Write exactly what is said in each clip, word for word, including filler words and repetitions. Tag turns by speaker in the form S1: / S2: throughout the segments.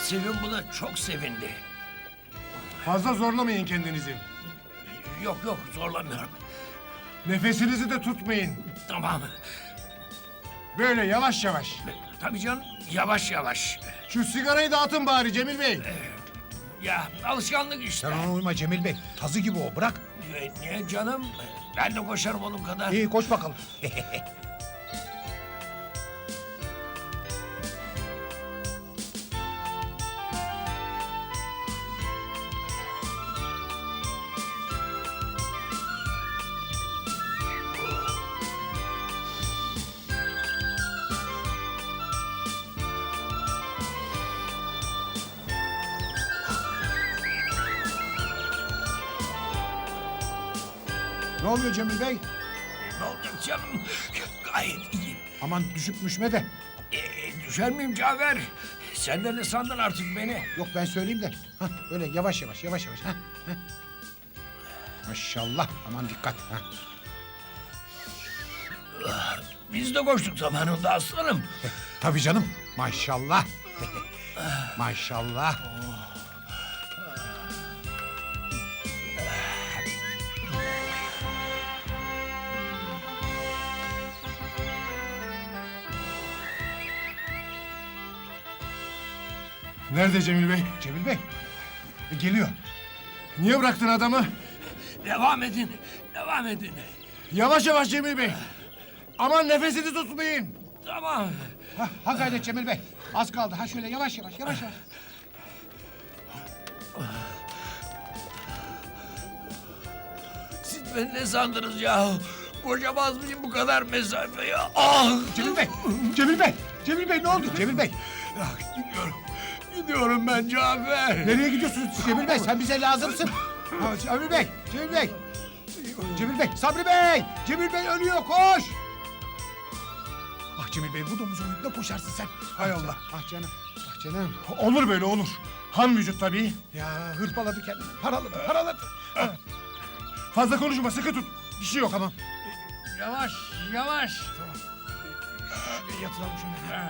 S1: Sevim buna çok sevindi.
S2: Fazla zorlamayın kendinizi.
S1: Yok yok zorlamıyorum.
S2: Nefesinizi de tutmayın.
S1: Tamam.
S2: Böyle yavaş yavaş.
S1: Tabii canım yavaş yavaş.
S2: Şu sigarayı da atın bari Cemil Bey.
S1: Ya alışkanlık işte.
S3: Sen ona uyma Cemil Bey. Tazı gibi o, bırak.
S1: E, Niye canım? Ben de koşarım onun kadar.
S3: İyi, koş bakalım. Ne oluyor Cemil Bey?
S1: Ne olacak canım? Gayet iyiyim.
S3: Aman düşüp müşme de.
S1: E, düşer miyim Cafer? Sen de ne sandın artık beni?
S3: Yok, ben söyleyeyim de. Hah, öyle yavaş yavaş, yavaş yavaş. Hah, hah. Maşallah, aman dikkat. Hah.
S1: Biz de koştuk zamanında aslanım.
S3: Tabii canım, maşallah. Maşallah.
S2: Nerede Cemil Bey?
S3: Cemil Bey, e, geliyor.
S2: Niye bıraktın adamı?
S1: Devam edin, devam edin.
S2: Yavaş yavaş Cemil Bey. Aman nefesini tutmayın.
S1: Tamam.
S3: Ha, ha gayret Cemil Bey. Az kaldı. Ha şöyle yavaş yavaş, yavaş yavaş.
S1: Siz beni ne sandınız ya? Koşamaz mıyım bu kadar mesafeyi? Ah!
S3: Cemil Bey, Cemil Bey, Cemil Bey ne oldu? Cemil Bey,
S1: Ah, gidiyorum. Gidiyorum ben Cafer.
S3: nereye gidiyorsunuz Cemil Bey? Sen bize lazımsın. Ha, Cemil Bey, Cemil Bey. Cemil Bey, Sabri Bey! Cemil Bey ölüyor, koş! Ah Cemil Bey, bu domuzun önünde koşarsın sen.
S2: Hay Allah.
S3: Ah canım, ah canım.
S2: Olur böyle olur. Han vücut tabii.
S3: Ya hırpaladı kendini, paraladı, paraladı.
S2: Fazla konuşma sıkı tut. Bir şey yok.
S3: Tamam.
S2: Yavaş yavaş.
S3: Bir yatıralım şöyle.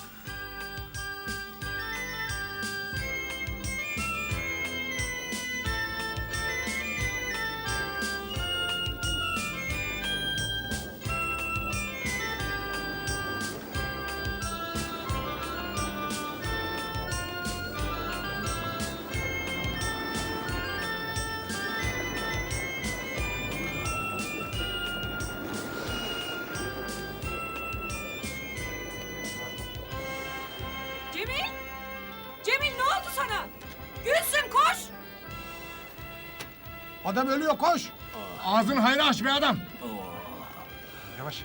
S4: Cemil! Cemil ne oldu sana? Gülsüm koş!
S3: Adam ölüyor, koş!
S2: Ağzını hayra aç be adam.
S3: Yavaş.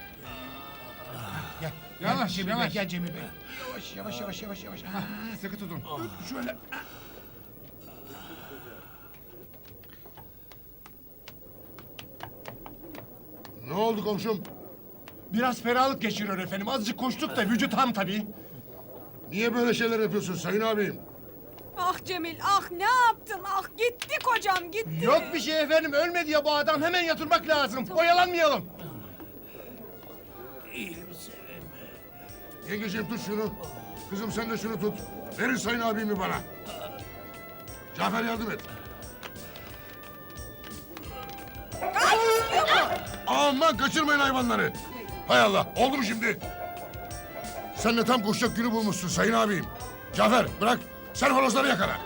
S3: Gel.
S2: Yavaş,
S3: Cemil
S2: yavaş.
S3: Bey, gel Cemil Bey. Yavaş, yavaş, yavaş, yavaş, yavaş. Ha,
S2: Sıkı tutun.
S3: şöyle.
S5: Ne oldu komşum?
S2: Biraz ferahlık geçiriyor efendim. Azıcık koştuk da vücut ham tabii.
S5: Niye böyle şeyler yapıyorsun sayın abim?
S4: Ah Cemil ah ne yaptın ah gitti kocam gitti.
S2: Yok bir şey efendim. Ölmedi ya bu adam. Hemen yatırmak lazım. Oyalanmayalım.
S1: İyiyim Sevim.
S5: Yengeciğim tut şunu. Kızım sen de şunu tut. Verin sayın abimi bana. Cafer yardım et. Aman kaçırmayın hayvanları. Hay Allah oldu mu şimdi? Sen de tam koşacak günü bulmuşsun sayın abim. Cafer bırak sen horozları yakala.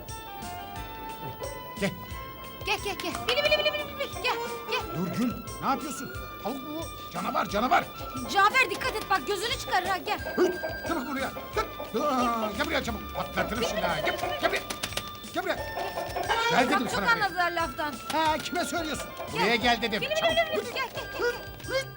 S3: Gel.
S6: Gel gel gel. Bili bili bili bili bili. Gel gel.
S3: Dur Gül, ne yapıyorsun? Tavuk mu bu? Canavar, canavar.
S6: Cafer dikkat et bak gözünü çıkarır ha gel.
S3: Hıt, çabuk buraya. Hıt. Aa, gel buraya çabuk. Patlatırım şimdi ha. Gel, gel buraya. Gel buraya. Gel dedim
S6: Bak çok
S3: sana. buraya.
S6: anladılar laftan.
S3: Ha, kime söylüyorsun?
S6: Gel.
S3: Buraya gel dedim.
S6: Bili bili
S3: Çabuk.
S6: bili bili. Gel gel gel. gel.
S3: Hıt.